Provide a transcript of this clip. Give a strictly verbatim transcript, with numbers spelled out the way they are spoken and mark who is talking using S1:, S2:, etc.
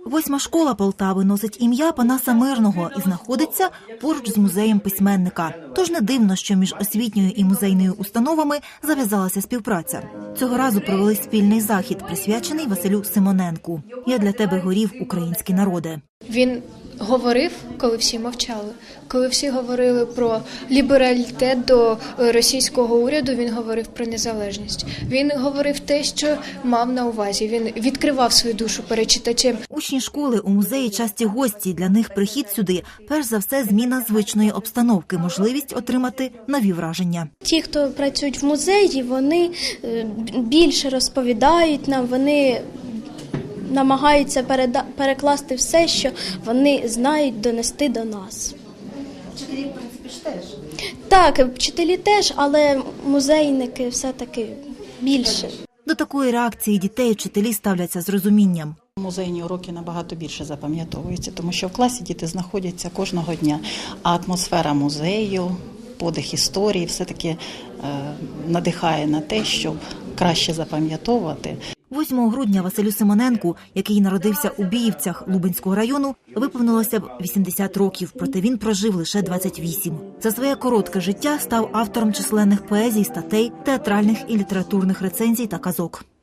S1: Восьма школа Полтави носить ім'я Панаса Мирного і знаходиться поруч з музеєм письменника. Тож не дивно, що між освітньою і музейною установами зав'язалася співпраця. Цього разу провели спільний захід, присвячений Василю Симоненку. «Я для тебе горів, український народе».
S2: Він говорив, коли всі мовчали. Коли всі говорили про лібералітет до російського уряду, він говорив про незалежність. Він говорив те, що мав на увазі. Він відкривав свою душу перед читачем.
S1: Учні школи у музеї часті гості. Для них прихід сюди – перш за все зміна звичної обстановки, можливість отримати нові враження.
S3: Ті, хто працюють в музеї, вони більше розповідають нам, вони намагаються переда... перекласти все, що вони знають, донести до нас.
S1: Вчителі, в принципі, ж теж?
S3: Так, вчителі теж, але музейники все-таки більше.
S1: До такої реакції дітей вчителі ставляться з розумінням.
S4: Музейні уроки набагато більше запам'ятовуються, тому що в класі діти знаходяться кожного дня, а атмосфера музею, подих історії все-таки е, надихає на те, щоб краще запам'ятовувати.
S1: восьмого грудня Василю Симоненку, який народився у Біївцях Лубенського району, виповнилося б вісімдесят років, проте він прожив лише двадцять вісім. За своє коротке життя став автором численних поезій, статей, театральних і літературних рецензій та казок.